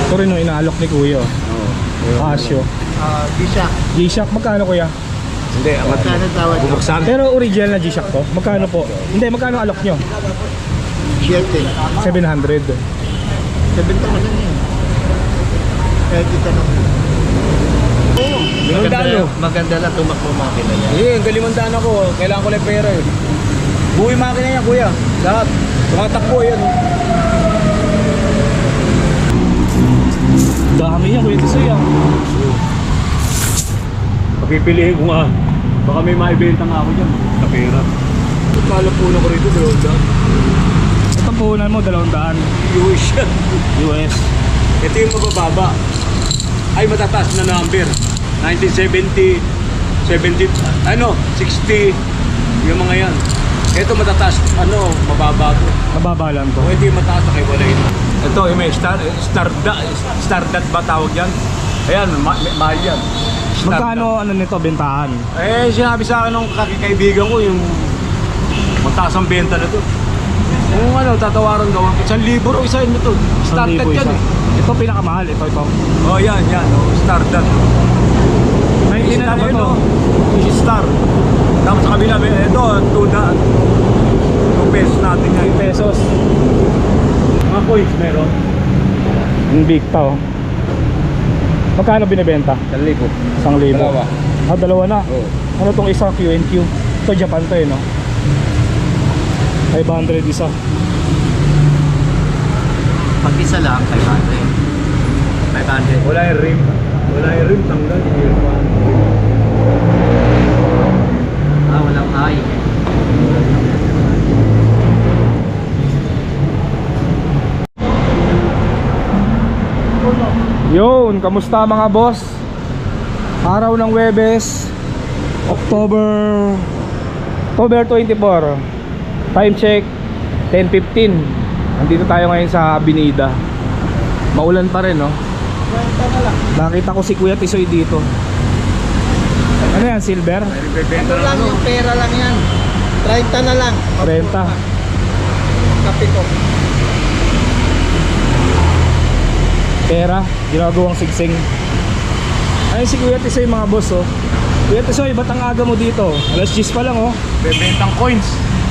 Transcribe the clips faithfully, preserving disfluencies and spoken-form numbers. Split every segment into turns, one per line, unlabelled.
Ito rin yung inaalok ni Kuya.
Oo.
Casio.
Ah, G-Shock.
G-Shock, magkano Kuya?
Hindi, ang
Magkano tawad?
bubuksan.
Pero original na G-Shock to? Magkano po? Hindi, magkano alok nyo?
Siyete.
seven hundred.
Sabenta mo lang yan. Kahit itanong. Oo.
Limandaan o.
Maganda lang tumakbo makina niya.
Hindi, ang kalimandaan ako. Kailangan ko lang pera eh. Buhay makina niya, kuya. Lahat. Tumatakbo yan.
Dami yan Kuya Tisoy ah.
Papipiliin ko nga. Baka may maibenta nga ako dyan. Sa pera. Kala po na ko rito, dalawang daan.
Ito puhunan mo, dalawang daan.
U S yan.
U S.
Ito yung mabababa. Ay, matataas na number. nineteen seventy, seventy, ano, sixty. Yung mga yan. Ito matataas, ano, mababa to.
Mababa lang to.
O ito yung mataas na kay Walay. Ito, yung may star, stardat, stardat ba tawag yan? Ayan, ma mahal yan. Stardat.
Magkano ano nito, bentahan?
Eh, sinabi sa akin ng kakikaibigan ko yung mataas ang benta na to. Kung ano, tatawaran gawa. Isang libo o isa yun ito. Stardat
Isang libo
yan
isa.
eh.
Ito pinakamahal, ito, ito.
Oh, yan, yan. Oh, stardat.
May
Star
ilan
yun,
to?
oh. Star. Tapos sa kabila, may- ito, two na. two pesos natin yan.
Pesos.
Mga coins meron.
Yung big to. Magkano binibenta?
Isang libo.
Isang libo.
Dalawa.
Ah, dalawa na.
Oo.
Ano tong isa Q and Q? Ito Japan to eh, no? five hundred isa.
Pag isa lang, five hundred. five hundred.
Wala yung rim. Wala yung rim, tanggal.
Ah, walang ay.
Yun, kamusta mga boss? Araw ng Webes, October October twenty-four. Time check ten fifteen. Nandito tayo ngayon sa Avenida. Maulan pa rin, no? Nakita ko si Kuya Tisoy dito. Ano yan, silver?
Bebenta
Ano lang yung pera lang yan. thirty na lang.
Renta.
Kape ko.
Pera, ginagawang sigsing. Ayun si Kuya Tisoy mga boss, oh. Kuya Tisoy, ba't ang aga mo dito? Alas diyes pa lang, oh.
Bebentang coins.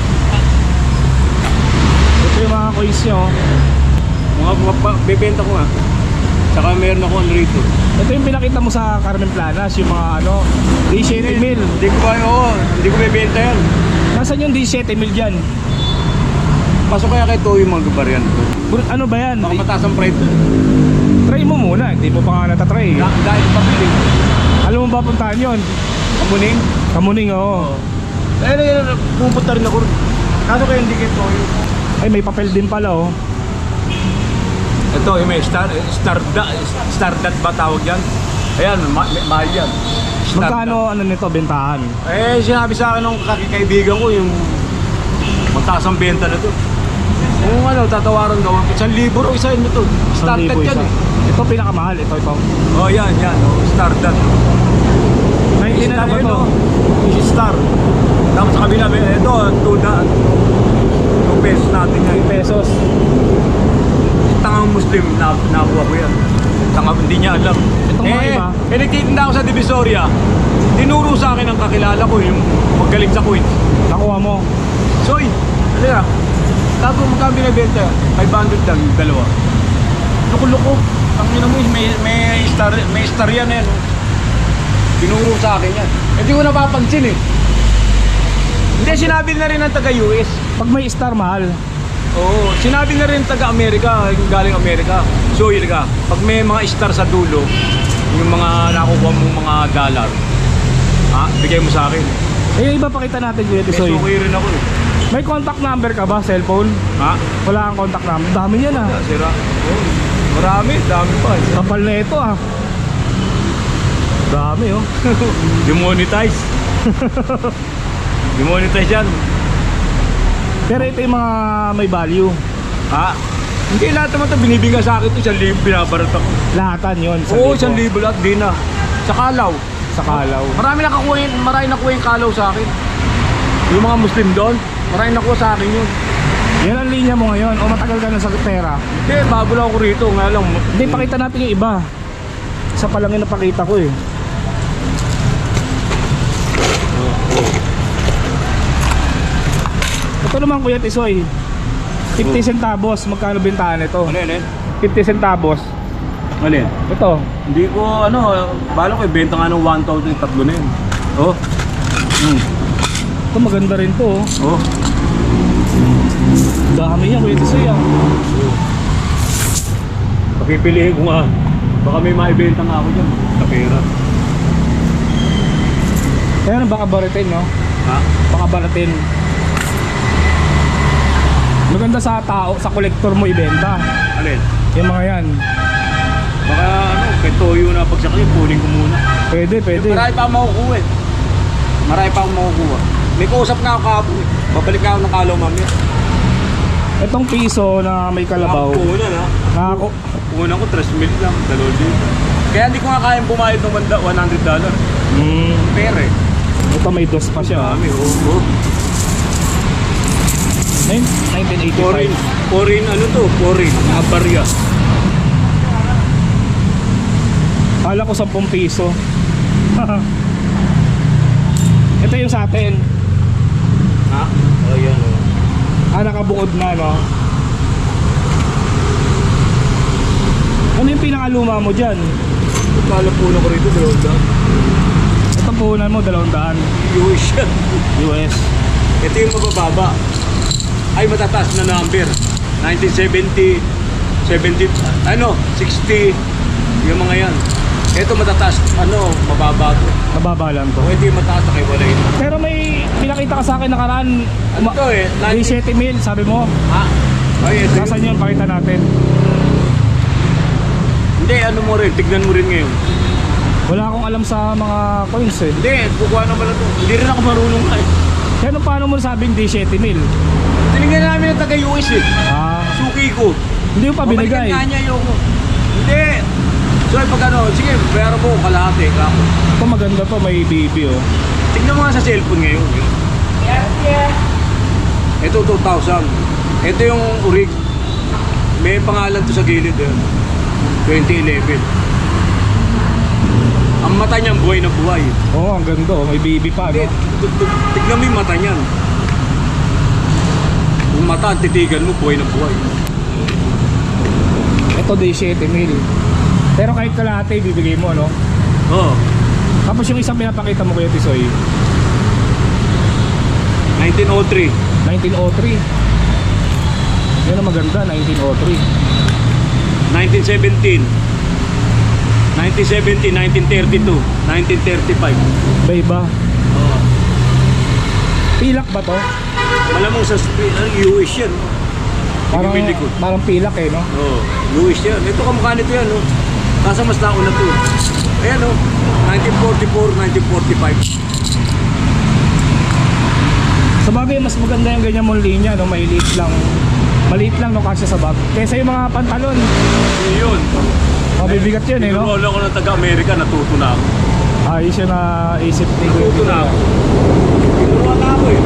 Ito yung mga coins nyo, oh.
Mga mga pa- bebenta ko nga. Saka meron ako ano rito.
Ito yung pinakita mo sa Carmen Planas, yung mga ano, seventeen mil.
Hindi ko ba, oo. Hindi ko bebenta yan.
Nasaan yung seventeen mil dyan?
Pasok kaya kay Toyo mga gabaryan.
Bur- Ano ba yan?
Baka mataas ang price.
Try mo muna, hindi mo pa nga natatry.
Da dahil pabili.
Alam mo ba puntahan yun?
Kamuning.
Kamuning, oo.
Eh, eh, pupunta rin ako. Kaso kaya hindi kay Toyo.
Ay, may papel din pala, oh.
Ito, yung may star, stardat, stardat ba tawag yan? Ayan, ma mahal yan. Stardat.
Magkano ano nito, bentahan?
Eh, sinabi sa akin ng kakikaibigan ko yung mataas ang benta na to. Kung ano, tatawaran gawa. Isang libo o isa yun ito.
Isang
Stardat
libo
yan
isa.
eh.
Ito pinakamahal, ito, ito.
Oh, yan, yan. Oh, stardat.
May ilan
Star
ba
yun,
to?
oh. Star. Tapos sa kabila, may ito, two na. two pesos natin yan.
Pesos.
Tangang Muslim, na, nakuha ko yan. Tangang hindi niya alam.
Itong mga
eh,
iba?
eh, nagtitinda ako sa Divisoria. Tinuro sa akin ang kakilala ko, yung magaling sa coins.
Nakuha mo.
Soy, ano yan? Tago magkano binibenta? five hundred lang, yung dalawa. Loko-loko. Ang ina mo, may, may, star, may star yan eh. No? Tinuro sa akin yan. Hindi ko napapansin eh. Hindi, sinabi na rin ng taga-U S.
Pag may star, mahal.
Oo, sinabi na rin taga-Amerika, yung galing Amerika. So, yun ka, pag may mga star sa dulo, yung mga nakukuha mong mga dollar, ha, bigay mo sa akin.
Eh, yung iba pakita natin, Kuya
May
Tisoy.
suki rin ako eh.
May contact number ka ba, cellphone?
Ha?
Wala kang contact number. Dami yan, ah.
Sira. Oo. Marami, dami pa. eh.
Kapal na ito, ah. Dami, oh.
Demonetize. Demonetize yan.
Pero ito yung mga may value.
Ha? Hindi lahat naman ito binibigay sa akin ito. Isang libo binabarat ako.
Lahatan yun.
Oo, isang libo lahat. Di na. Sa kalaw.
Sa kalaw.
Marami nakakuha yun. Marami nakuha yung kalaw sa akin. Yung mga Muslim doon, marami nakuha sa akin yun.
Yan ang linya mo ngayon o matagal ka na sa pera?
Hindi, bago lang ako rito. Nga lang,
Hindi, pakita natin yung iba. Isa pa lang yung napakita ko eh. Ito naman Kuya Tisoy, fifty centavos, magkano bentahan ito?
ano yan eh?
fifty centavos.
Ano yan?
Ito,
Hindi ko, ano, bala ko, ibenta nga ng one thousand yung tatlo na yun. Oh. Hmm.
ito maganda rin to oh.
Oh.
Dami yan Kuya Tisoy ah.
Pagpipiliin ko nga. Baka may maibenta nga ako dyan. Sa pera.
Kaya baka baratin no?
Ha?
Baka baratin. Maganda sa tao, sa kolektor mo ibenta.
Alin?
Yung mga yan.
Baka ano, kay Toyo na pagsakali, puling ko muna.
Pwede, pwede.
Marami pa ako makukuha eh. Marami pa ako makukuha. May kausap na ako kahapon eh. Babalik na ako ng kalaw mamaya.
Itong piso na may kalabaw.
Ako puhunan ha.
Nakako.
Puhunan ko, tres mil lang. Dalawa din. Kaya hindi ko nga kayang bumayad ng one hundred dollars.
Mm,
Pera eh.
ito may dos pa siya. ah.
Dami, oo. Oh, oh.
nineteen eighty-five.
Foreign, foreign ano to? Foreign, abarya.
Kala ko ten piso. Ito yung sa atin.
Ha? Oh, yan oh.
Ah, nakabuod na no. Ano yung pinakaluma mo dyan?
Kala po na ko rito, dalawang daan.
Ito puhunan mo, dalawang daan
U S yan.
U S.
Ito yung mabababa. Ay, matataas na number. nineteen seventy, seventy, ano, sixty, yung mga yan. Ito matataas, ano, mababa to.
Mababa lang to.
O ito yung mataas na kay Walay.
Pero may pinakita ka sa akin nakaraan.
Ano to eh?
seventy mil, sabi mo.
Ha? Ay, ito
Nasaan
yun.
yun? Pakita natin.
Hindi, ano mo rin, tignan mo rin ngayon.
Wala akong alam sa mga coins eh.
Hindi, kukuha naman na to. Hindi rin ako marunong nga eh.
Kaya ano, paano mo sabing di seventy mil?
Tinignan namin ng taga-U S eh.
Ah,
Suki ko.
hindi mo pa binigay.
Babalikan nga niya yung... Hindi. So, pag ano, sige, pero mo, kalahati. Kako.
Ito maganda to, may B B oh.
Tignan mo nga sa cellphone ngayon. Ito, two thousand. Ito yung urig. May pangalan to sa gilid. Eh. twenty eleven. Ang mata niyan, buhay na buhay.
Oo, oh, ang ganda oh, may B B pa
Hindi,
no?
t- t- tignan mo yung mata niyan. Yung mata, ang titigan mo, buhay na buhay.
Ito di seventy mil. Pero kahit kalahati, bibigay mo no?
Oo.
Tapos yung isang pinapakita mo Kuya Tisoy,
nineteen oh three.
nineteen oh three. Yan ang maganda, nineteen oh three.
nineteen seventeen. nineteen seventeen, nineteen thirty-two, nineteen thirty-five.
Iba-iba.
Oo.
Pilak ba to?
Malamang sa uh, U S yan.
Parang,
Yung likod.
parang pilak eh no?
Oo. U S yan. Ito kamukha nito yan. No? Kaso mas nauna to. Ayan o. nineteen forty-four, nineteen forty-five.
Sa bagay, mas maganda yung ganyan mong linya no? Maliit lang. Maliit lang no kasya sa bag. Kesa yung mga pantalon.
Yun.
Mabibigat yun eh no?
Tinuruan ako ng taga-Amerika. Natuto na ako.
Ayos yun na isip ni Kuya
Natuto
Tisoy.
na ako. Tinuruan na ako eh.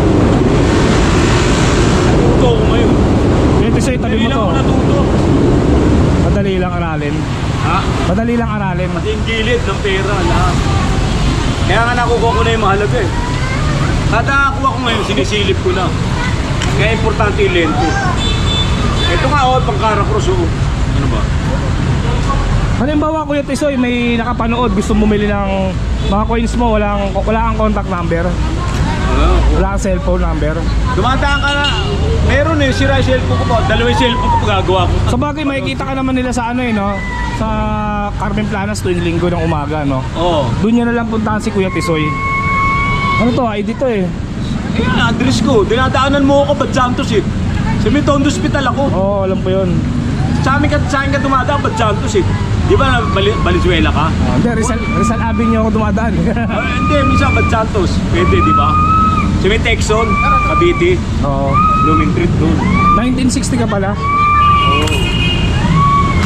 Natuto ako ngayon.
Kuya Tisoy, tabi mo
Hindi lang
to.
ako natuto.
Madali lang aralin.
Ha?
Madali lang aralin.
Pati yung gilid ng pera, lahat. Kaya nga nakukuha ko na yung mahalaga eh. Kada nakuha ko ngayon, sinisilip ko na. Kaya importante yung lento. Ito nga oh, pang Caracross oh. Ano ba?
Halimbawa Kuya Tisoy, may nakapanood, gusto bumili ng mga coins mo, walang, wala kang contact number,
Ano?
wala kang cellphone number.
Dumadaan ka na. Meron eh, sira yung cellphone ko pa. Dalawang cellphone ko pa gagawa ko.
Sa bagay, makikita ka naman nila sa ano eh, no? Sa Carmen Planas tuwing linggo ng umaga, no?
Oo.
Doon nyo na lang puntahan si Kuya Tisoy. Ano to, I D to eh.
Kaya address ko. Dinadaanan mo ako, Bad Santos eh. Sa Mitondo Hospital ako.
Oo, oh, alam ko yun.
Sa amin ka, sa amin ka dumadaan, Bad Santos eh. Di ba na Bali, Valenzuela ka?
Oh, hindi, Rizal, Rizal Avenue ako dumadaan.
Ah, hindi, minsan Bad Santos. Pwede, di ba? Sa may Texon, Cavite,
Oo.
Blooming Street doon.
nineteen sixty ka pala.
Oo.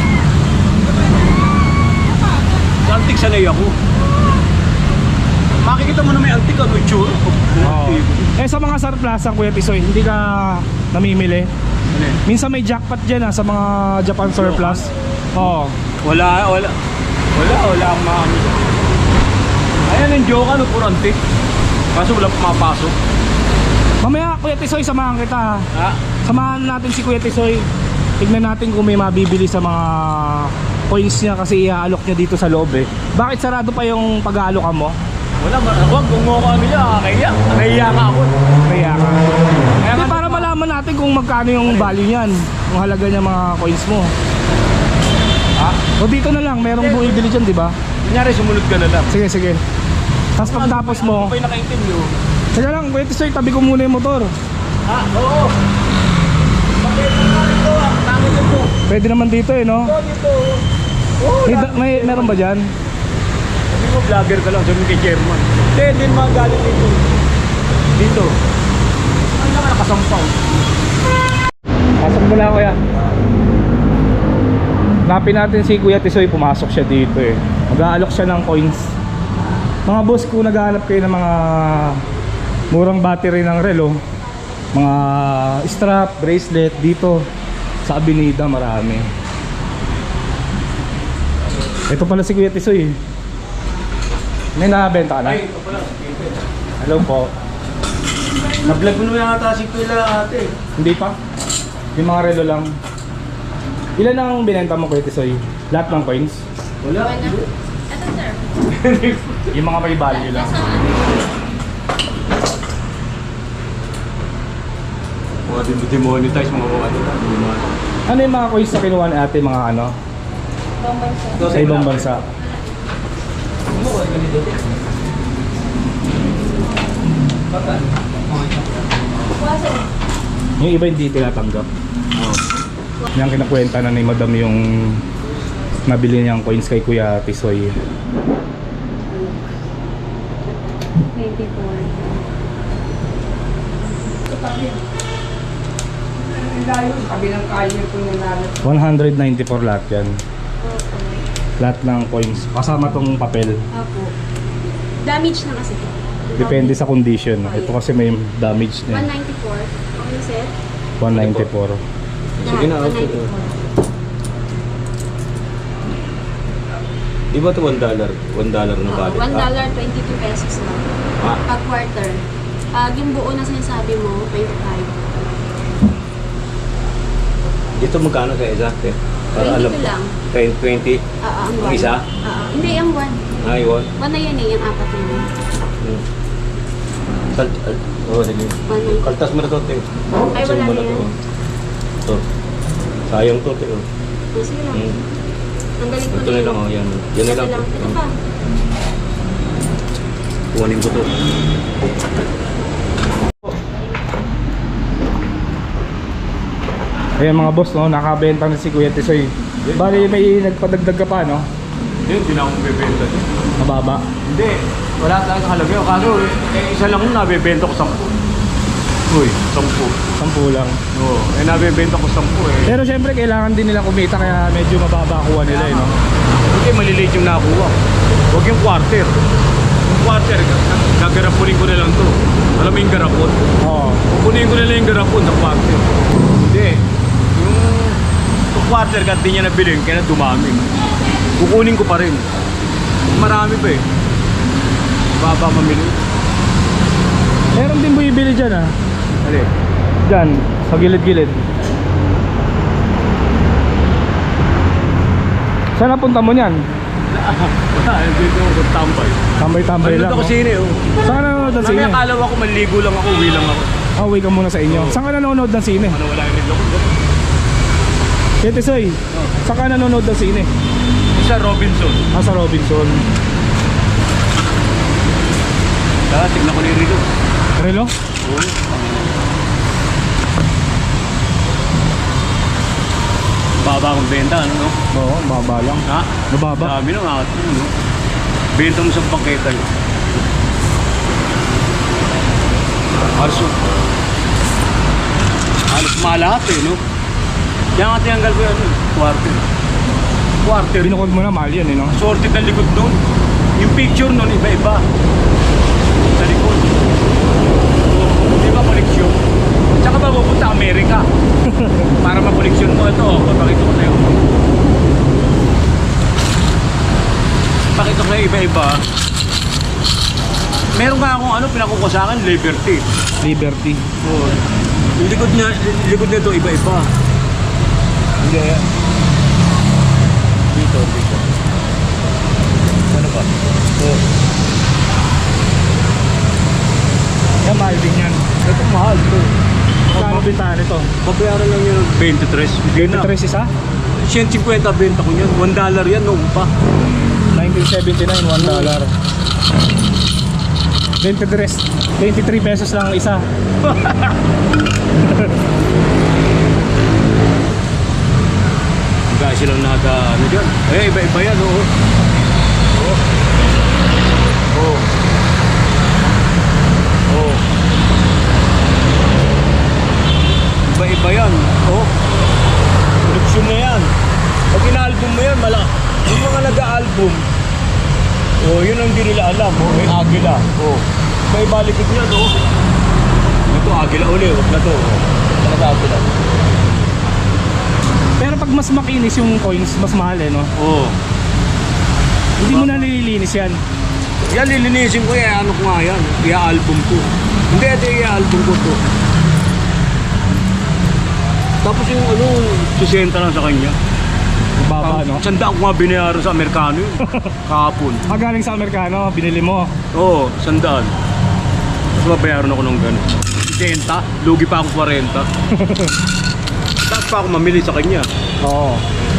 Sa antik sanay ako. Ma makikita mo na may antik, ano, itsura.
Oo. Eh sa mga surplus Kuya Tisoy, hindi ka namimili?
Ano yun?
Minsan may jackpot dyan ah, sa mga Japan surplus. Oo.
Wala, wala. Wala, wala akong maano. Ayan yung joke, ano, puro antik. Kaso wala pumapasok.
Mamaya Kuya Tisoy, samahan kita.
Ha?
Samahan natin si Kuya Tisoy. Tignan natin kung may mabibili sa mga coins niya kasi iaalok niya dito sa loob eh. Bakit sarado pa yung pag-aalokan mo?
Wala, wag, kung mo ko kami niya, kaya. Kaya ka ako.
Kaya ka.
Kaya
Hindi,
nga-
para malaman natin kung magkano yung value niyan. Kung halaga niya mga coins mo.
Ha?
O dito na lang, merong bumibili dyan, di ba?
Kunyari, sumunod ka na lang.
Sige, sige. Tapos pagtapos mo,
Ano pa yung nakaitim nyo?
sige lang, Kuya Tisoy, tabi ko muna yung motor.
Ha? Oo. Bakit nga ito ah? Tangin ito.
Pwede naman dito eh, no?
Ito, dito. Oo.
May, may meron ba dyan?
Sabi mo, vlogger ka lang. Sabi mo kay Chairman. Hindi, hindi mga galit dito. Dito. Ano naman nakasampaw?
Pasok mo na, Kuya. Napin natin si Kuya Tisoy, pumasok siya dito eh. Mag-aalok siya ng coins. Mga boss, kung naghahanap kayo ng mga murang battery ng relo, mga strap, bracelet, dito sa Avenida marami. Ito pala si Kuya Tisoy eh. May nakabenta ka na?
Ay, ito pala.
Hello po.
Na-vlog mo na yata si Kuya ate.
Hindi pa? Yung mga relo lang. Ilan ang binenta mo, Kuya Tisoy? Lahat ng coins?
Wala.
Ito, sir.
Yung mga may value lang.
Nasa ano?
Mga demonetize, mga mga ano.
Ano yung mga coins na kinuha ni ate, mga ano?
Bombay, sir.
Sa ibang bansa?
Kuha, sir.
Yung iba hindi tinatanggap. Yung kinakwenta na ni Madam yung nabili niyang coins kay Kuya Tisoy.
twenty-four.
one ninety-four lahat yan. Lahat ng coins. Kasama tong papel.
Opo. Damage na kasi.
Depende sa condition. Ito kasi may damage
one
na.
ninety-four. Okay, sir?
one ninety-four.
Sige na,
one
okay.
ninety-four.
Di ba ito one dollar? one dollar na
Oo,
balik?
one dollar, twenty-two pesos lang.
Ah.
Pag quarter. Pag yung buo na sinasabi mo, twenty-five.
Dito magkano sa exact eh? Para alam
twenty-two lang.
ten, twenty.
Ah, ang
Ang
one.
isa?
Ah, hindi, ang one.
Ay, one.
One na yan eh, yung apat na yun.
Hmm. Salt, al, oh, sige.
One na yun.
Kaltas mo na to, te.
Ay,
Kaltasin
wala
mo
na
to.
yan.
To. Sayang to, te. Oh.
Oh, sige lang.
Hmm.
Tanggalin ko
Ito na lang, oh, yan. Yan na
Ito
lang.
lang. Ito pa.
Kuhanin ko to.
Ayan mga boss, no, nakabenta na si Kuya Tisoy. Bali may nagpadagdag ka pa, no?
Yun, di na akong bebenta.
Mababa.
Hindi. Wala tayong kalagay. Kaso, eh, isa lang yung nabebenta ko sampu. Uy, sampu.
Sampu lang.
Oo. Eh, nabebenta ko sampu eh.
Pero syempre kailangan din nila kumita kaya medyo mababa kuha nila, eh, no?
Hindi, maliliit yung nakuha. Huwag yung quarter. Yung quarter, gagarapunin ko na lang to. Alam mo yung garapon?
Oo.
Kukunin ko na lang yung garapon na quarter. Hindi. Yung, yung quarter, kahit di niya nabiling, kaya na dumami. Kukunin ko pa rin. Marami pa eh. Baba mamili.
Meron din bumibili dyan, ah.
Ali.
Dyan, sa gilid-gilid. Saan napunta mo niyan?
Wala, dito ako tambay.
Tambay-tambay lang,
Nanonood ako
no?
sine, oh.
Saan ka nanonood ng sine?
Mamaya akala ko maliligo lang ako, uwi lang ako.
Ah, uwi ka muna sa inyo.
Oo.
Saan ka nanonood ng sine?
Ano, wala yung niloko.
Kuya Tisoy, saan ka nanonood ng sine?
Isa Robinson.
Ah, sa Robinson.
Tara, tignan ko na yung relo.
Relo?
Oo. Baba akong benta, ano, no?
Oo, baba lang.
Ha?
Mababa.
Dami nung akat mo, no? Benta mo sa bangketa yun. Halos, halos malahat eh, no? Kaya nga tinanggal ko yan, eh, quarter. Quarter.
Binukod mo na, mahal yan, eh, no?
Sorted ng likod nun. Yung picture nun, iba-iba. Amerika. Para makoleksyon mo ito. Oh, pakita ko sa'yo. Pakita ko sa'yo iba-iba. Meron nga akong ano, pinakuha sa akin, Liberty.
Liberty.
Oh. Yung likod niya, yung likod nito iba-iba. Hindi. Dito, dito. Ano ba? Oh.
Yan, mahal din yan.
Ito mahal to.
Kano bintahan ito?
Babayaran lang yun ng twenty-three. Hindi na.
twenty-three isa?
one fifty benta ko yan. one dollar yan noong pa.
nineteen seventy-nine, one dollar. twenty-three, twenty-three pesos lang ang isa.
Guys, silang naga ano dyan. Eh, iba-iba yan, oo. Oo. Oo. Oo. Iba-iba yan. Oo. Koleksyon na yan. Pag ina-album mo yan, mala. Yung mga nag-album, oh, yun ang hindi nila alam. Oh, may agila. Oh. May balikot niya, no? Ito, agila uli. Huwag na to. Oh. Nag-agila.
Pero pag mas makinis yung coins, mas mahal eh, no?
Oo.
Hindi mo na nililinis yan.
Yan, lilinisin ko yan. Ano ko nga yan? Ia-album ko. Hindi, ito ia-album ko to. Tapos yung ano, sisenta lang sa kanya.
Baba, no?
Sandaan ko nga binayaran sa Amerikano yun. Kahapon.
Ah, galing sa Amerikano, binili mo.
Oo, sandaan. Tapos mabayaran ako ng gano'n. sesenta, lugi pa ako forty. Tapos pa ako mamili sa kanya.
Oo.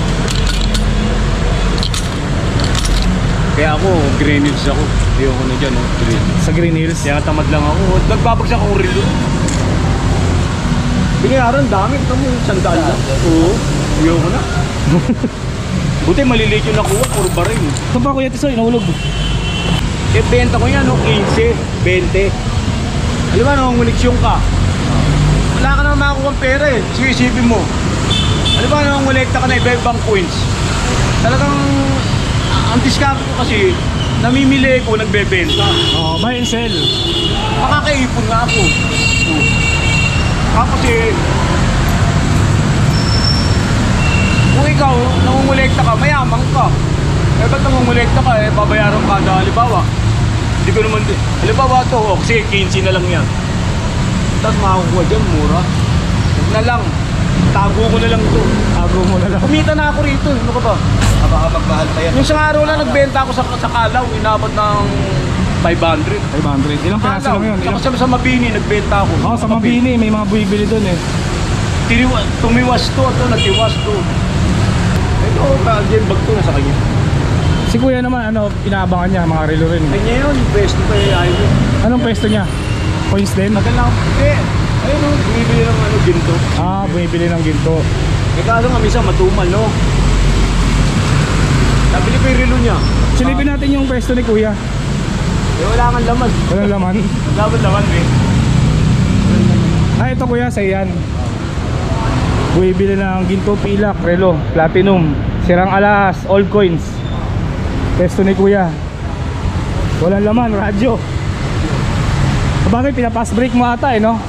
Kaya ako, green hills ako. Ayoko na dyan, oh, green.
Sa Green Hills.
Kaya tamad lang ako. Nagbabagsak akong relo. Binayaran, dami. Ito mo, sandaan lang. Oo, ayoko na. Buti maliliit yung nakuha, puro baril.
Ito pa Kuya Tisoy, nahulog.
Eh, benta ko yan, no? fifteen, twenty. Alam mo, nangunguliksyon ka. Wala ka naman makakuha ng pera eh. Sige-isipin mo. Alam mo, nangungulekta ka na iba-ibang coins. Talagang, ang discount ko kasi, namimili ko, nagbebenta.
Oo, buy and sell.
Makakaipon nga ako. Tapos eh, kung ikaw, nangungulekta ka, mayaman ka. Eh, ba't nangungulekta ka, eh, babayaran ka na, halimbawa. Hindi ko naman, halimbawa ito, oh, kasi fifteen na lang yan. Tapos makakuha dyan, mura. Huwag na lang, tago ko na lang ito.
Tago mo na lang.
Kumita na ako rito, ano ka ba?
Baka magmahal pa yan.
Yung isang araw na nagbenta ako sa, sa Kalaw, inabot ng five hundred.
five hundred. Ilang piraso lang yun? Ilang...
Tapos sa, sa Mabini, nagbenta ako.
Oo, sa Mabini, may mga buibili doon eh.
Tiniwa, tumiwas to, ito, natiwas to. Ito, ka-gem bag to, nasa kanya.
Si Kuya naman, ano, inaabangan niya, mga relo rin.
Kanya yun, best pa yung ayaw.
Anong pwesto niya? Coins din?
Tagal lang. Eh, ayun o, bumibili ng ano, ginto.
Ah, bumibili ng ginto.
Eh, kaso nga, minsan matumal, no? Nabili ko yung relo niya.
Silipin natin yung pwesto ni Kuya.
Eh, wala kang laman.
Walang laman.
Dapat laman, eh.
Ah, ito Kuya, sa iyan. Bumibili ng ginto, pilak, relo, platinum, sirang alas, old coins. Pwesto ni Kuya. Walang laman, radyo. Bakit pinapass break mo ata eh, no?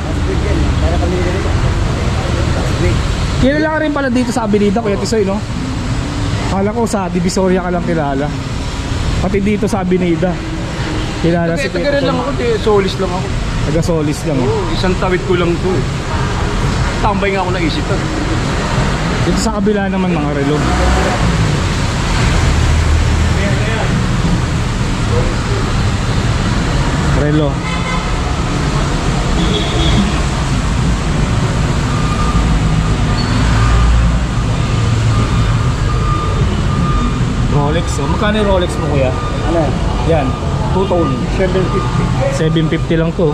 Kilala ka rin pala dito sa Avenida, Kuya Tisoy, no? Akala ko sa Divisoria ka lang kilala. Pati dito sa Avenida kilala si
Taga
Kuya
rin lang
Tisoy.
ako, eh, solis lang ako.
Taga Solis lang.
Oo, isang tawid ko lang to, eh. Tambay nga ako naisipan.
Dito sa kabila naman mga relo. Relo. Rolex. Oh. Magkano yung Rolex mo Kuya?
Ano?
Yan. Two-tone.
seven fifty.
seven fifty lang to.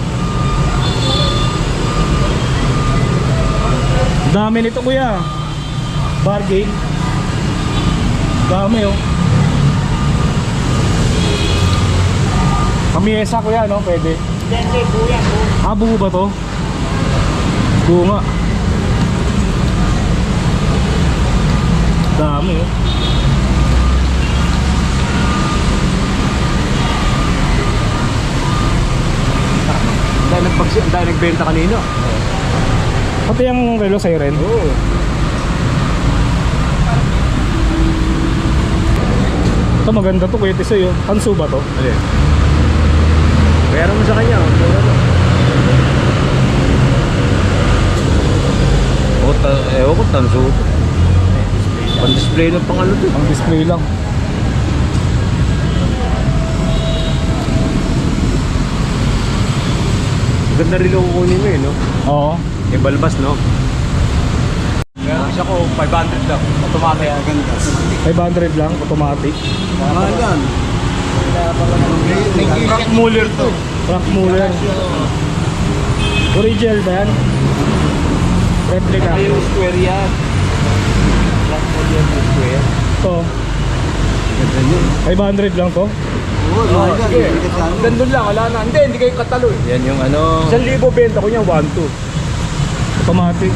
Dami nito Kuya. Bargain. Dami oh. Kamiesa Kuya, no? Pwede.
Hindi, buya ko.
Ah, buo ba to? Buo nga. Dami oh.
Dahil nagbagsi, dahil nagbenta kanina.
Pati yung relo siren.
Oo.
Ito maganda to Kuya Tisoy oh. Tansu ba to?
Alin? Bayaran mo sa kanya. Mura na. O, ta- ewan ko, tanso. Pan-display ng pangalo to.
Ang display lang.
Ganda rin ang kukunin mo eh, no?
Oo.
Yung balbas, no? Meron isa ko, five hundred lang. Automatic. Ganda.
five hundred lang, automatic.
Mahal yan. Frank Muller to.
Frank Muller. Original ba yan? Replica.
Yung square yan. Frank Muller yung square.
Ito.
Ganda yun.
five hundred lang to.
Oo, oh, sige. Gandun lang, wala na. Hindi, hindi kayo katalo eh. Yan yung ano... Isang libo benta ko niya, one two.
Automatic.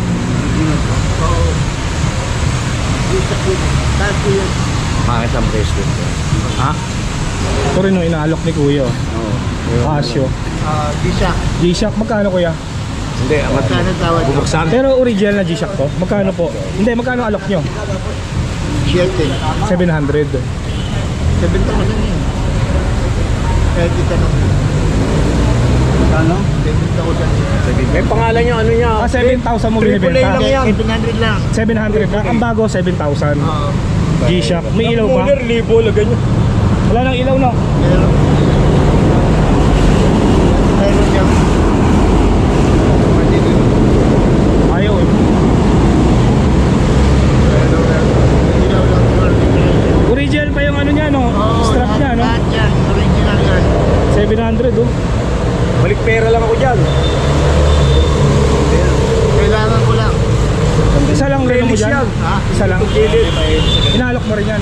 Makakit ang bracelet. Ha?
Ito rin yung inaalok ni Kuya.
Oo.
Casio.
Ah, G-Shock.
G-Shock, magkano Kuya?
Hindi, ang
Magkano tawad mo?
bubuksan.
Pero original na G-Shock to. Magkano po? Hindi, magkano alok nyo?
Shelton.
seven hundred.
Sabenta ko lang yan. Kahit itanong.
Ano?
Sabenta ko lang.
May pangalan niya, ano niya?
Ah, seven thousand mo
Triple A
binibenta?
lang yan.
seven hundred lang.
seven hundred lang. Ang bago, seven thousand.
Oo.
G-Shock. May ilaw ba?
Muller, libo, lagay niyo.
Wala nang ilaw no?
Meron. Meron yan. Pwede din.
Ayaw eh.
Meron lang. Ilaw lang.
Original pa yung ano niya no?
Oo,
Strap niya no?
lahat yan. Original yan.
seven hundred oh.
Balik pera lang ako dyan.
Kailangan ko lang.
Isa lang relo mo
Felix
dyan?
yan.
Ha?
Isa lang?
Gilid.
Inalok mo rin yan.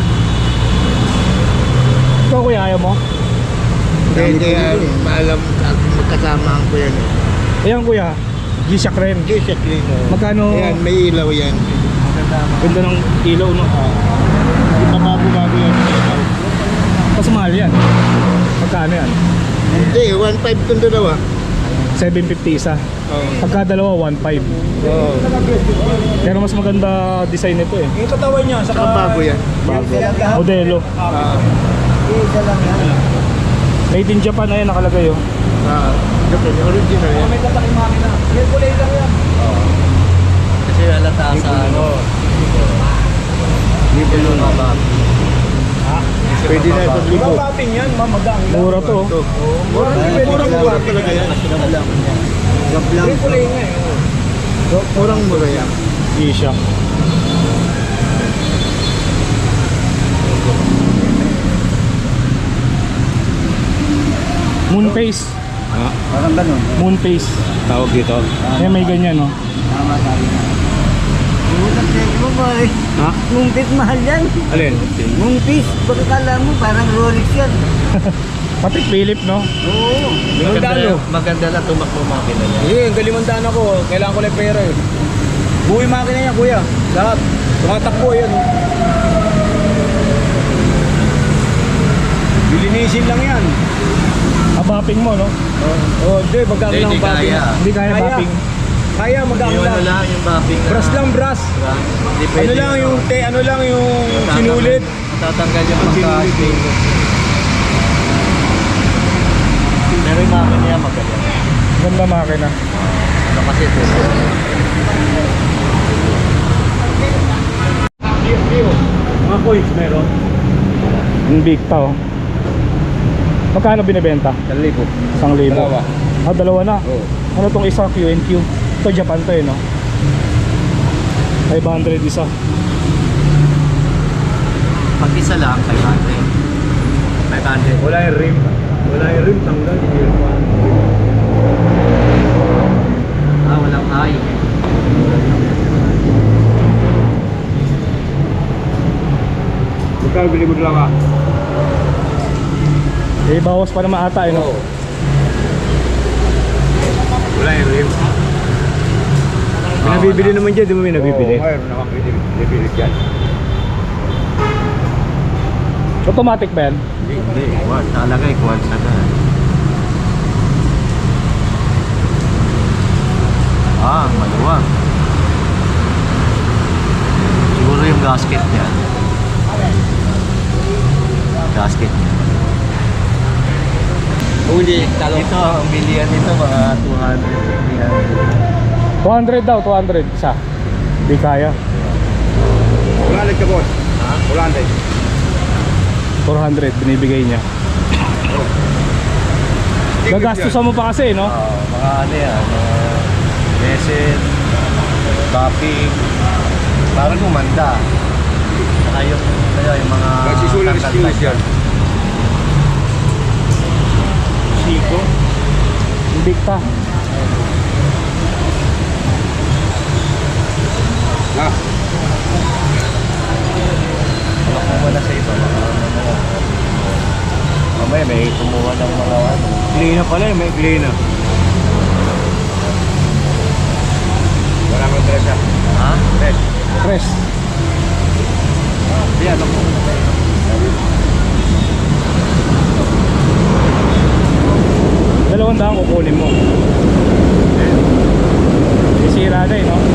Ikaw Kuya, ayaw mo?
Hindi, hindi yan. Maalam magkasama ko yan.
Ayan Kuya, G-Shock rin.
G-Shock rin. oh.
Magkano?
Ayan, may ilaw yan.
Ganda ng ilaw no?
Ipapabago yan.
Mas mahal yan. Magkano yan?
Hindi, one five kung dalawa.
seven fifty isa.
Oo.
Pagka dalawa, one five.
Oo.
Pero mas maganda design nito eh.
Yung katawan niya, saka...
Bago yan.
Bago. Modelo.
Ah. Isa lang yan.
Made in Japan na yan nakalagay oh.
Ah, original yan.
May kataking makina. Yan, kulay lang yan.
Kasi halata sa ano.
Libo yun. Pwede na ito libo.
Mabating yan, mamagang lang.
Mura to oh.
Mura, mura, mura talaga yan.
Gap lang.
Yung kulay nga eh.
Murang mura yan.
G-Shock. Moon face.
Ha? Parang ganun.
Moon face.
Tawag dito.
Ayan may ganyan no.
Tama sabi na. Unang check mo ba eh.
Ha?
Mumpis mahal yan.
Alin?
Mumpis. Baka kala mo parang Rolex yan.
Pati Philip no.
Oo.
Limandaan.
Maganda lang tumakbo makina niya.
Eh, ang galimandaan ako. Kailangan ko lang pera eh. Buhay makina niya, kuya. Lahat. Tumatakbo yan. Oh. Bilinisin lang yan.
Abaping mo no.
Oh, hindi. Magkano lang
Hindi
ang bapping?
kaya.
Hindi kaya
Kaya.
bapping.
Kaya, magkano
Yung ano
lang.
lang, yung mapping na...
Brass lang, brass.
Diba? Hindi
Ano
pwede
lang yung, te, ano lang yung
Tatanggal-
sinulit.
Tatanggal yung
Ang
pagka
sinulit.
Pero yung makina niya magaling.
Ganda makina.
Ano kasi ito?
Mga coins meron.
Yung big ta oh. Magkano binibenta?
Dali po.
Isang libo.
Dalawa.
Ah, dalawa na.
Oo.
Ano tong isa Q and Q? Ito Japan to eh no. five hundred isa.
Pag isa lang, five hundred. five hundred.
Wala yung rim. Wala yung rim. Tanggal.
Ah, walang ay.
Magkano bili mo dalawa?
Eh bawas pa naman ata eh no.
Wala yung rim. May
Ah,
nabibili
wala.
naman dyan. Di mo may nabibili?
Oo,
mayroon naman nabibili dyan.
Automatic ba yan?
Hindi, hindi. Quad. Nakalagay, quad na ka. Ah, maluwag. gasket niya. Gasket niya.
Kung hindi, talo.
Ito, ang bilihan nito mga two hundred, three hundred.
two hundred daw, two hundred isa. Di kaya.
Wala ka, boss.
Ha?
Wala na.
four hundred binibigay niya. Gagastusan mo pa kasi, no?
Oo, mga ano yan, mga bezel, topping, parang gumanda. Saka yung, ano, yung mga
Magsisulang
tangkad
skills
na
yan.
Siko. Invicta.
Ha?
Wala ko muna sa iba, mga ano na. Mamaya may kumuha ng mga ano.
Glina pala eh, may glina.
Wala kang dress, ha?
Ha?
Dress.
Press.
Yan, ako.
Dalawang daan kukunin mo. Sisira na eh, no?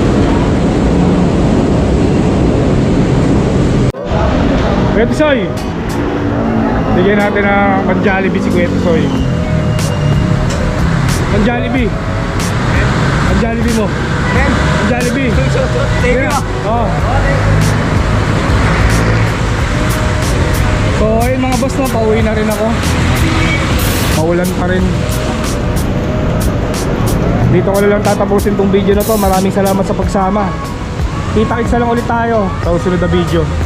Kuya Tisoy, bigyan natin ng pan-Jollibee si Kuya Tisoy. Pan-Jollibee. Pan-Jollibee mo. Pan-Jollibee.
Thank you.
Oh. So ayun mga boss, no, pauwi na rin ako. Maulan pa rin. Dito ko na lang tatapusin tong video na to. Maraming salamat sa pagsama. Kita-kitsa lang ulit tayo sa susunod na video.